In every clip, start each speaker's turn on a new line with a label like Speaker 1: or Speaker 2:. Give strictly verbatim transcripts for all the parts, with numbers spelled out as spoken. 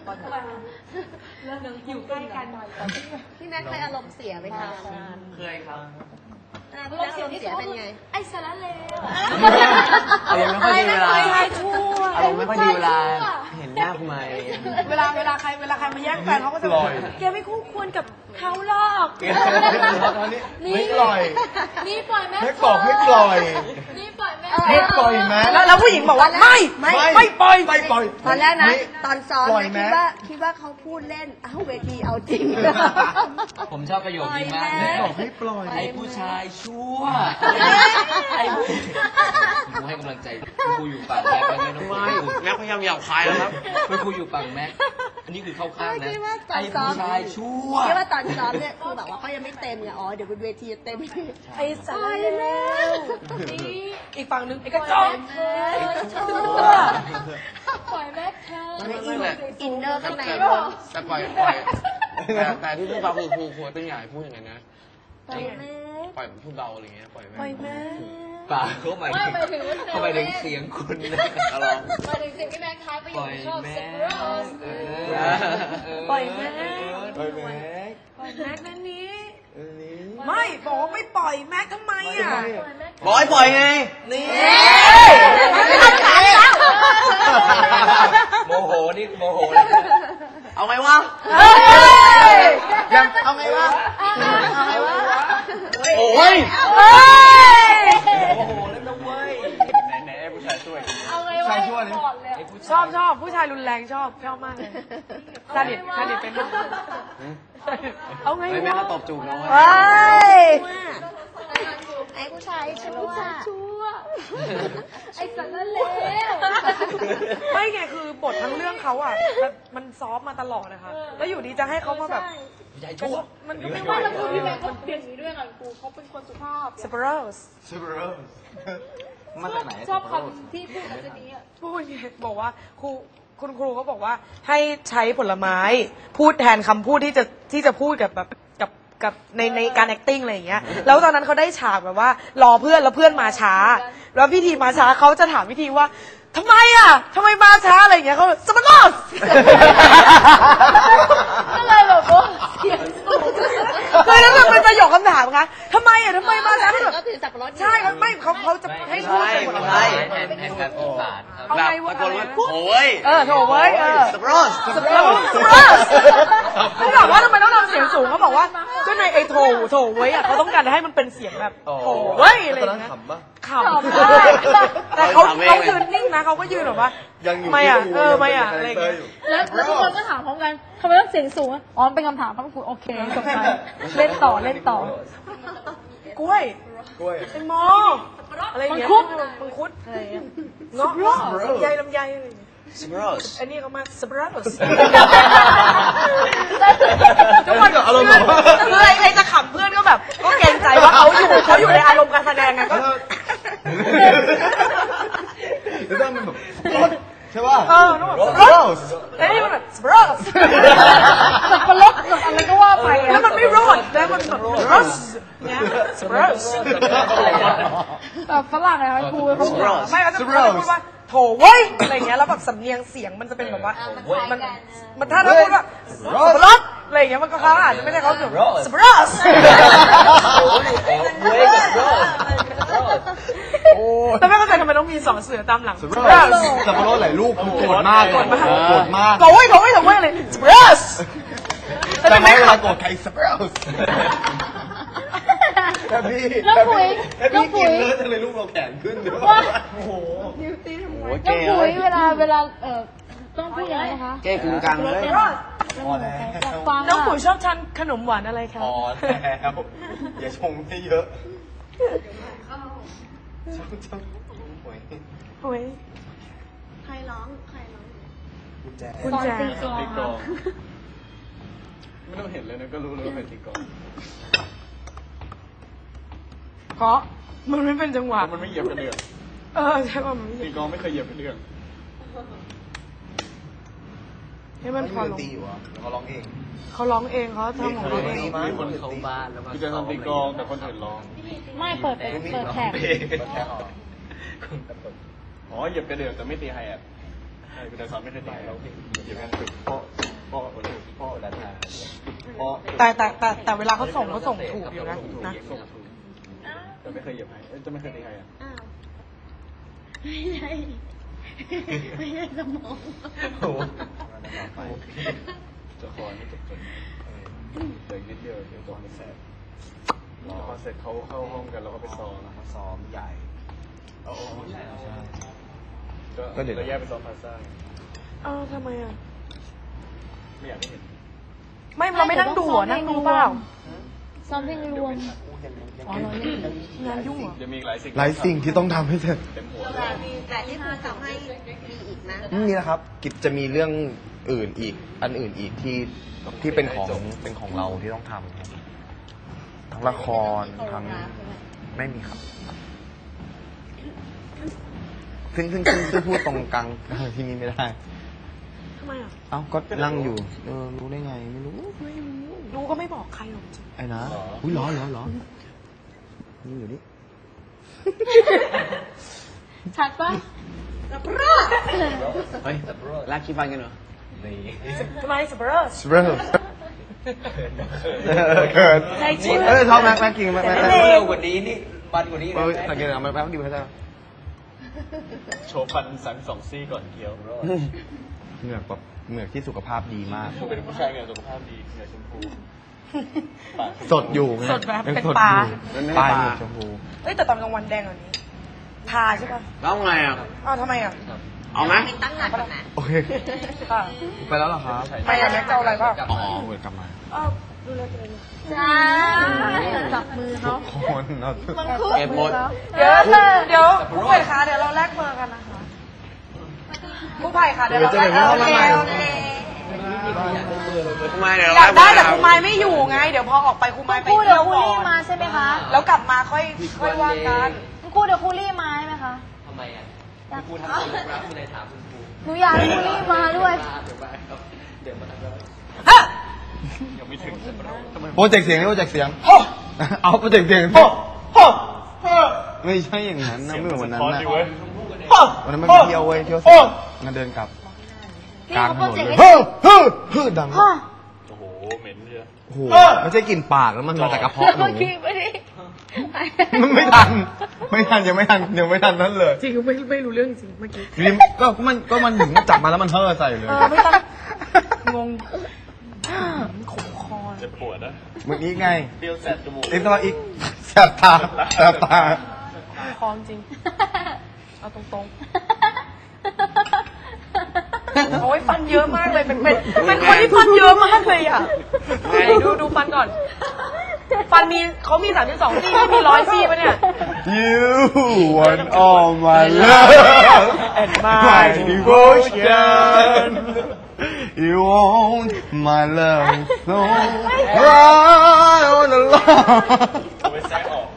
Speaker 1: อนเรื่องนึงอยู่ใกล้กันหน่อย
Speaker 2: พี่แม็กเคยอารมณ์เสียไหมคะ
Speaker 3: เคยครับ
Speaker 2: พี่แม็กอารมณ์เสียเป็นไง
Speaker 1: ไอ้สารเลว
Speaker 3: อารมณ์ไม่ค่อยดีเวลาอารมณ์ไม่ค่อยดีเวลาเห็นหน้าคุณไม
Speaker 1: เวลาเวลาใครเวลาใครมาแย่งแฟนเขาก็จะบอกแกไม่คู่ควรกับเขาหรอก
Speaker 4: ไม่ปล่อย
Speaker 1: นี่ปล่อยแม่
Speaker 4: ให้บอกให้ปล่อย
Speaker 1: นี่ปล่อยแม่
Speaker 4: ให้ปล่อยแม่
Speaker 1: แล้วผู้หญิงบอกว่าไม่
Speaker 2: ไม่
Speaker 4: ไม่ปล่อยไม่ปล่อย
Speaker 2: ตอนแรกนะตอนซ้อมคิดว่าคิดว่าเขาพูดเล่นเอ้าเวทีเอาจริง
Speaker 3: ผมชอบประโยคนี้มาก
Speaker 4: บอกให้ปล่อย
Speaker 3: ไอ้ผู้ชายชั่วไอ้ผู้กูให้กำลังใจกูอยู่ฝั่งแม็กแล้วไม่ต้องไม่แม็กพยายามหยาบคายแล้วครับกูอยู่ฝั่งแม็กอันนี้คือเข้าข้างนะไอ้ผู้ชายชั่ว
Speaker 2: คิดว่าตอนซ้อมเนี่ยคือแบบว่าเขายังไม่เต็มไงอ๋อเดี๋ยวบนเวทีจะเต็ม
Speaker 1: ไอ้สารเลวอีกฝั่งนึงไอ้กระจอกปล่อยแม็กเธอ
Speaker 2: อินเนอร์ข้างใน
Speaker 3: แต่ปล่อยปล่อยแต่ที่พูดเบาคือครูครูเป็นใหญ่พูดอย่างนั้นนะปล่อยแม่ปล่อยพูดเบาอะไรเงี้ยปล่อยแม่
Speaker 1: ปล่อยแม่
Speaker 3: ป่าเขาหมายถึงเขาหมายถึงเสียงคุณนะอะไร
Speaker 1: หมายถึงเสียงที่แม่ท้ายประโยคชอบเซ็กซ์ปล่อยแม่
Speaker 4: ปล่อยแม่
Speaker 1: ปล่อยแม็กนั่นนี้ไม่บอกว่าไม่ปล่อยแม็กทำไมอ่ะ
Speaker 3: บอกให้ปล่อยไงนี่โมโหนี่โมโหเอาไงวะ
Speaker 4: ยังเอาไงวะ
Speaker 3: เอาไงวะโอ้ยโอ้โหเล่นน้องเว้ยไหนไหนผู้ชายช่วย
Speaker 1: เอาไงวะชอบชอบผู้ชายรุนแรงชอบชอบมากเลยซาดิสซาดิสเป็นเอาไงวะ
Speaker 3: ไม่ต้องตบจูบน้อง
Speaker 2: เฮ้ยไอ้ผู้ชายชั่ว
Speaker 1: ไอ้สันนั่นเลวไม่ไงคือบททั้งเรื่องเขาอ่ะมันซอฟมาตลอดนะคะแล้วอยู่ดีจะให้เขามาแบบ
Speaker 3: ใหญ่ชั่ว
Speaker 1: มันก็ไม่ว่าแล้วคือพี่แม่เขาเปลี่ยนอย่างนี้ด้วยกันกูเขาเป็นคนสุภาพสเปโรส
Speaker 4: สเปโรส
Speaker 3: มาจากไหน
Speaker 1: ชอบคำที่พูดแบบนี้พูดไงบอกว่าครูคุณครูเขาบอกว่าให้ใช้ผลไม้พูดแทนคำพูดที่จะที่จะพูดกับแบบกับกับในในการ acting อะไรอย่างเงี้ยแล้วตอนนั้นเขาได้ฉากแบบว่ารอเพื่อนแล้วเพื่อนมาช้าแล้วพิธีมาช้าเขาจะถามพิธีว่าทำไมอ่ะทำไมมาช้าอะไรอย่างเงี้ยเขาสมัครอสก็เลยแบบว่าเสียงสูงเคยแล้วแบบเป็นประโยคคำถามคะทำไมอ่ะทำไมมาช้า
Speaker 2: ก็ถือสับปะรด
Speaker 1: ใช่ไม่เขาเขาจะให้พูดเป็นผลไม้
Speaker 3: เอาไงวะโอ้ย
Speaker 1: เออโถเว้ยเออ
Speaker 3: สเปรส
Speaker 1: สเปรสเขาบอกว่าทำไมต้องทำเสียงสูงเขาบอกว่าก็ในไอ้โถโถเว้ยอ่ะเขาต้องการให้มันเป็นเสียงแบบโถเว้ยอะไรอย่างเงี้ยขำแต่เขาเขายืนนิ่งนะเขาก็ยืนแบบว่าไม่อ่ะเออไม่อ่ะอะไรอย่างเงี้ย
Speaker 5: แล้วทุกคนก็ถามพร้อมกันทำไมต้องเสียงสูงอ๋อเป็นคำถามครับคุณโอเคจบไปเล่นต่อเล่นต่อก
Speaker 1: ล้วย
Speaker 4: กล้วย
Speaker 1: เป็นมออะไรอย่างเงี้ยมังคุดอะไรอย่างเงี้ยเงาะลำไยลำไยอะไรอย่างเงี้ย
Speaker 3: สเปรส
Speaker 1: อันนี้เขามาสเปรส
Speaker 4: ทุกคนอารมณ์แบบ
Speaker 1: อะไรใครจะขำเพื่อนก็แบบก็เกรงใจว่าเขาอยู่เขาอยู่ในอารมณ์การแสดงไงก็
Speaker 4: แล้วต้องมันแบบใช่ป่ะ
Speaker 1: เออสเปรสไอ้นี่มันแบบสเปรสสับปะรดอะไรก็ว่าไปแล้วมันไม่รอดแล้วมันแบบสเปรสเนี่ยสเปรส
Speaker 5: แบบฝรั่งอะไรครูเขา
Speaker 1: ไม่เขาจะพูดว่าโถเว้ยอะไรเงี้ยแล้วแบบสำเนียงเสียงมันจะเป็นแบบว่ามันมันถ้าเราพูดว่าสเปรสอะไรเงี้ยมันก็เขาอาจจะไม่ได้เขาแบบสเปรสแต่ไม่เข้าใจทำไมต้องมีสองเสือตามหลัง
Speaker 4: สเปรสสับปะรดหลายลูกโกรธมากโกรธมากโกรธมาก
Speaker 1: โถเว้ยโถเว้ยโถเว้ยอะไรสเปรส
Speaker 4: แต่ไม่เวลาโกรธใครสเปรสแต่พี่
Speaker 5: น้องปุ๋ย
Speaker 4: น้องปุ๋ยกินเลยจะเลยลูกเราแข็งขึ้นด้วยโอ้โห
Speaker 5: ดิวตี้ทำไมน้องปุ๋ยเวลาเวลาเอ่อต้องพูดยังไงนะคะ
Speaker 3: แก้กึ่งกลางเลย
Speaker 1: น้องปุ๋ยชอบทานขนมหวานอะไรคะ
Speaker 4: พอแล้วอย่าชงให้เยอะชอบชอบปุ๋ย
Speaker 1: ปุ๋ย
Speaker 2: ใครร้องใครร้อง
Speaker 4: กุญแจ
Speaker 1: กุญแจ
Speaker 4: ตีกลองไม่ต้องเห็นเลยนะก็รู้เลยว่าเป็นตีกลอง
Speaker 1: เพราะมันไม่เป็นจังหวะ
Speaker 4: มันไม่เหยียบกระเดื่อง
Speaker 1: เออใช่ป่ะมัน
Speaker 4: ตีกลองไม่เคยเหยียบกระเดื่อง
Speaker 1: ให้มันพอลง
Speaker 4: ตีอยู่อ่ะเขาร้องเอง
Speaker 1: เขาร้องเองเขาทำของเขาเอง
Speaker 3: มีคนเข้าบ้านแล้ว
Speaker 4: คือจะทำตีกลองแต่คนอื่นร้อง
Speaker 5: ไม่เปิดเปิดแท็ก
Speaker 4: อ๋อเหยียบกระเดื่องแต่ไม่ตีไฮแอทใช่แต่สอนไม่เคยตีไฮเราเหยียบกันสุดเพราะเพราะ
Speaker 1: แต่แต่แต่แต่เวลาเขาส่งเขาส่งถูกอยู่นะนะ
Speaker 4: ส่งถูกแต่ไม่เคยเหยียบใครเอ้ยจะไม่เคยตีใครอ่ะ
Speaker 2: อ้าวไม่ใช่ไม่ใช่สมอง
Speaker 3: โอ้โห
Speaker 4: จะคอนี่จบจนเหลืออีกนิดเดียวเดี๋ยวตัวมันแสบพอเสร็จเขาเข้าห้องกันแล้วก็ไปซ้อม
Speaker 6: เขาซ้อมใหญ่
Speaker 4: เอาเอาใช่
Speaker 6: ก็
Speaker 4: ก็
Speaker 6: เดี๋
Speaker 4: เดี๋
Speaker 6: ย
Speaker 4: ยว วแยกไปซ้อมพาซ่า
Speaker 1: เอ้าวทำไมอ่ะ
Speaker 4: ไม่อยากให้เห็น
Speaker 1: ไม่เราไม่นั่งดูเหรอนั่งดูเปล่า
Speaker 5: ซ้อมเพลงรวมอ๋อเราเล่น
Speaker 1: งานยุ่งเหรอ
Speaker 4: จะมีหลายสิ่ง
Speaker 6: หลายสิ่งที่ต้องทำให้เสร็จ
Speaker 4: เต็มหัว
Speaker 2: แต่มีแต่ที่ครูทำให้มีอีกนะ
Speaker 6: นี่นะครับ กิจจะมีเรื่องอื่นอีก อันอื่นอีกที่ที่เป็นของเป็นของเราที่ต้องทำครับทั้งละครทั้งไม่มีครับซึ่งซึ่งซึ่งซึ่งพูดตรงกลางที่นี่ไม่ได้
Speaker 1: ทำไมอ่ะ
Speaker 6: เอ้าก็นั่งอยู่ เออรู้ได้ไงไม่รู้
Speaker 1: รู้ก็ไม่บอกใครหรอกจริง
Speaker 6: ไอ้นะอุ้ยร้อนร้อนร้อนนี่อยู่นี่
Speaker 5: ชัดปะ
Speaker 3: เฮ้ยลากขี้ฟันกันเหรอนี่
Speaker 1: ทำไมสเปอร์ส
Speaker 6: สเปรย์เกิด
Speaker 1: ในชื่อ
Speaker 6: เออชอบแม็กแม็กกินแม็กแม็ก
Speaker 3: เร็วกว่านี้นี่บันกว่านี้
Speaker 6: เออสังเกตเอาแม็กแม็กดีไหมจ๊ะ
Speaker 4: โชว์ฟันสันสองซี่ก่อนเคี้ยว
Speaker 6: เหงือกแบบเหงือกที่สุขภาพดีมาก
Speaker 4: เป็นผู้ชายเหงื่อสุขภาพดีเหงื่อชมพูปาก
Speaker 6: สดอยู่ไง
Speaker 1: สดแบบ
Speaker 6: ยัง
Speaker 1: เป็น
Speaker 6: สด
Speaker 1: ปลา
Speaker 6: อยู่ปลาเหงือกชมพู
Speaker 1: เอ้ยแต่ตอนกลางวันแดงกว่านี้ ทาใช่ป่ะ
Speaker 3: แล้วไงอ่ะ
Speaker 1: อ้าวทำไมอ่ะ
Speaker 3: เอาไหม
Speaker 2: ไปตั้งหลักก่อนนะ
Speaker 6: โอเค
Speaker 1: ค่ะ
Speaker 6: ไปแล้วเหรอครับ
Speaker 1: ไปอ่ะแม็กจะเอาอะไรป่ะ
Speaker 6: อ๋อเหมือนกลับมา
Speaker 1: อ้าวดูแลตัวเอง
Speaker 5: จ้าจับมือเขา
Speaker 6: คนเอา
Speaker 5: มันคู่
Speaker 3: เก็บหมด
Speaker 1: เดี๋ยวเดี๋ยวผู้ไผ่คะเดี๋ยวเราแลกเบอร์กันนะคะผู้ไผ่คะเดี๋ยวเราแลกเบอร์กันโอเค
Speaker 3: ทำไมเดี๋ยว
Speaker 1: อยากได้แต่ครูไม้ไม่อยู่ไง เดี๋ยวพอออกไปครูไม้ไป
Speaker 5: คู่เดี๋
Speaker 1: เที่
Speaker 5: ย
Speaker 1: ยว ว
Speaker 5: คู
Speaker 1: ก่อ
Speaker 5: รี่
Speaker 1: น
Speaker 5: มาใช่ไหมคะ
Speaker 1: แล้วกลับมาค่อยค่อยว่ากัน
Speaker 5: คู่เดี๋ยวคูรี่มาใช่ไหมคะ
Speaker 3: ทำไมอ่ะคุณครูทำตัวรับคุณเลยถามคุณครู
Speaker 5: หนูอยากให้คูรี่มาด้วย
Speaker 3: เดี๋ยวมาครับเดี๋ยวมาทำแล้ว
Speaker 1: ฮะ
Speaker 4: ยังไม่ถึงทำไม
Speaker 6: โปรเจกต์เสียงนี่โปรเจกต์เสียง
Speaker 1: โอ้
Speaker 6: เอาโปรเจกต์เสียง
Speaker 1: โอ้โอ้โอ้
Speaker 6: ไม่ใช่อย่างนั้นนะไม่เหมือนวันนั้นนะ
Speaker 4: เว้ย
Speaker 1: โอ้
Speaker 6: วันนั้นมันไปเที่ยวเว้ยเที่ยวเสร็จมันเดินกลับ
Speaker 5: พี่
Speaker 6: กลาง
Speaker 5: เขา
Speaker 6: ถ
Speaker 5: โปร
Speaker 6: นน
Speaker 5: เจกต์
Speaker 6: เลย
Speaker 5: ให้
Speaker 6: เฮ้อเฮ้อเฮ้อดัง
Speaker 5: ฮ่า
Speaker 4: โอ้โหเหม็นเยอะ
Speaker 6: โอ้โหไม่ใช่กลิ่นปากแล้วมันมาจากกระเพาะหนู
Speaker 5: เมื่อกี้ไม่ได้
Speaker 6: มันไม่ทัน ไม่ทันยังไม่ทันยังไม่ทันนั้นเลย
Speaker 1: จริงไม่ไม่รู้เรื่องจริงเมื่อกี้
Speaker 6: ริมก็มันก็มันถึงจับมาแล้วมันเฮ่อใส่เลย
Speaker 1: เออไม่ต้องงงขมคอ
Speaker 4: เจ็บปวดนะ
Speaker 6: เมื่อกี้ไง
Speaker 4: เปรี้ยวแสบจมูก
Speaker 6: อีกตัวอีกแสบตาแสบตา
Speaker 1: คอจริง เอาตรงๆ โอ้ยฟันเยอะมากเลยเป็นเป็นเป็นคนที่ฟันเยอะมากเลยอ่ะไหนดูดูฟันก่อน ฟันมีเขามีสามสิบสองซี่ไม่มีร้อยซี่ปะเนี่ย
Speaker 6: You want all my love
Speaker 1: and my
Speaker 6: my devotion You want my love so right on the line
Speaker 4: เอาไปแซะออก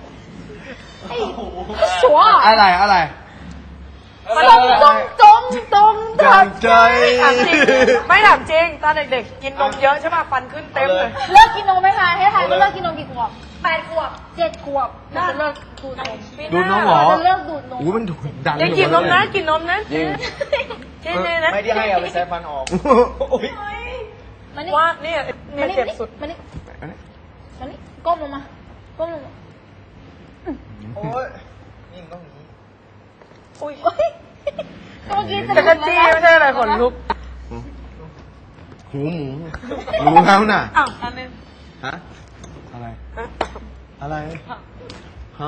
Speaker 5: ชัวร์
Speaker 6: อะไรอะไร
Speaker 5: จงจงจงจง
Speaker 6: จงใจ
Speaker 1: ถามจริงไม่ถามจริงตอนเด็กๆกินนมเยอะใช่ป่ะฟันขึ้นเต็มเลย
Speaker 5: เลิกกินนมไหมคะให้ทายว่าเลิกกินนมกี่ขวบแปดขวบเจ็ดขวบเราจะเลิกดูดนม
Speaker 6: ดูดนมเหรอ
Speaker 5: เราจะเลิกดูดนม
Speaker 6: อู้มันดูดดัง
Speaker 1: ยังกินนมนะกินนมนะ
Speaker 3: จริง
Speaker 1: จริงๆนะ
Speaker 4: ไม่ได้ให้เอาไปแซะฟันออก
Speaker 5: มานี่
Speaker 1: ว่าเนี่ยเนี่ยเจ็บสุด
Speaker 5: มานี่มานี่ก้มลงมาก้มลงมา
Speaker 6: โอ้ยนี่ต้องนี้
Speaker 1: อุ้ย
Speaker 5: เฮ้ยเมื่อกี้
Speaker 1: จักรจี้ไม่ใช่อะไรขนลุก
Speaker 6: หูหมูรู้แล้วน่ะ
Speaker 1: อ้าวอันนึง
Speaker 6: ฮะ อะไร อะไร ฮะ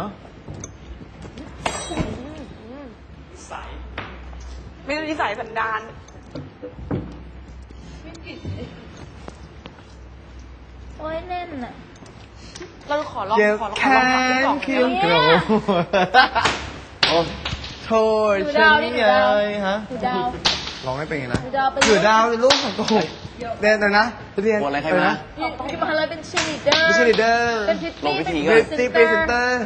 Speaker 1: ไม่รู้นิสัยสันดาน
Speaker 5: โอ้ยแน่นอ่ะ
Speaker 1: เราขอลอง
Speaker 6: เจ็บ
Speaker 1: ขอลอง
Speaker 6: แข
Speaker 1: ขอลอง
Speaker 6: น
Speaker 1: ขอลอง
Speaker 6: เคียงโกรธโอ้โทษ
Speaker 5: ดู
Speaker 6: ฉั
Speaker 5: ดาวน ดิ
Speaker 6: นี่
Speaker 5: ดู
Speaker 6: ไง
Speaker 5: ดาว
Speaker 6: ฮะ
Speaker 5: ดูดาว
Speaker 6: ร้องไม่เป็นไงนะ
Speaker 5: ดูดาวเป็น
Speaker 6: ถือดาวเป็นลูกของโกหกเรียนเลยนะเรียน
Speaker 3: บทอะไรใคร
Speaker 6: เลย
Speaker 3: มา
Speaker 6: นะ
Speaker 5: ที่มาเลยเป็นชีลีเดอร์
Speaker 6: ไม่ใช่ลีดเดอร์
Speaker 5: เป็นพิต
Speaker 3: ลง
Speaker 5: ตี้
Speaker 3: พิธี
Speaker 5: เป็น
Speaker 3: ก่อน
Speaker 6: ตีเพรสเซนเตอร์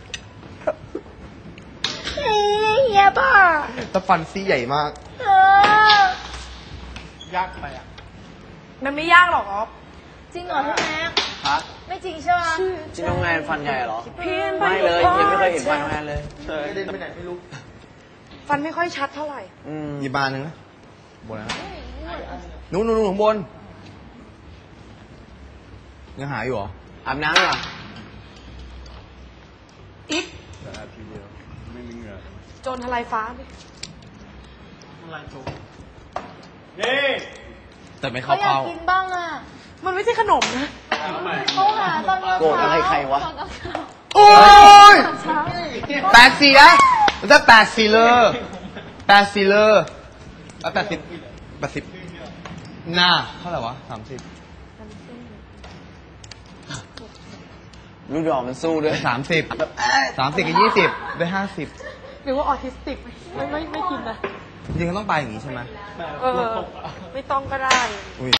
Speaker 5: เฮ้ยเฮียบ้า
Speaker 6: แต่ฟันซี่ใหญ่มาก
Speaker 5: เออ
Speaker 4: ยากไปอ่ะ
Speaker 1: มันไม่ยากหรอกอ๊อฟ
Speaker 5: จริงเหรอพี่แม็ก
Speaker 3: ฮะ
Speaker 5: ไม่จริงใช่ไหม
Speaker 3: ที่น้องแนนฟันใหญ่เหรอ
Speaker 1: เพี้ยนไป
Speaker 3: ไม่เลยยังไม่เคยเห็นฟันน้องแนนเลย
Speaker 6: เดินไปไหนไม่รู้
Speaker 1: ฟันไม่ค่อยชัดเท่าไหร่
Speaker 3: อืม
Speaker 6: หยิบบานหนึ่งนะบนนะนู้นนู้นนู้นข้างบนยังหาอยู่เหรอ
Speaker 3: อาบน้ำเหรอ
Speaker 1: อีก
Speaker 4: แต่อาทีเดียวไม่มีเหงื่อ
Speaker 1: โจรทลายฟ้าดิ
Speaker 6: แต่ไม่
Speaker 5: เขา
Speaker 6: เข้า
Speaker 5: อยาก
Speaker 6: เป้า
Speaker 5: กินบ้างอ่ะ
Speaker 1: มันไม่ใช่ขนมนะ
Speaker 5: เขาหาตอนเช้า
Speaker 3: โกรธอะไรใครวะ
Speaker 5: ตอนเช้า
Speaker 6: โอ้ย
Speaker 5: ตอนเช้า
Speaker 6: แปดสี่นะมันจะแปดสี่เลยแปดสี่เลยแล้วแปดสิบแปดสิบหน้าเท่าไหร่วะสามสิบ
Speaker 3: รู้ดอกมันสู้ด้วย
Speaker 6: สามสิบสามสิบกับยี่สิบได้ห้าสิบ
Speaker 1: หรือว่าออทิสติกไม่ไม่ไม่กินนะ
Speaker 6: จริงๆก็ต้องไปอย่างนี้ใช่ไหม
Speaker 1: เออ ไม่ต้องก็ได้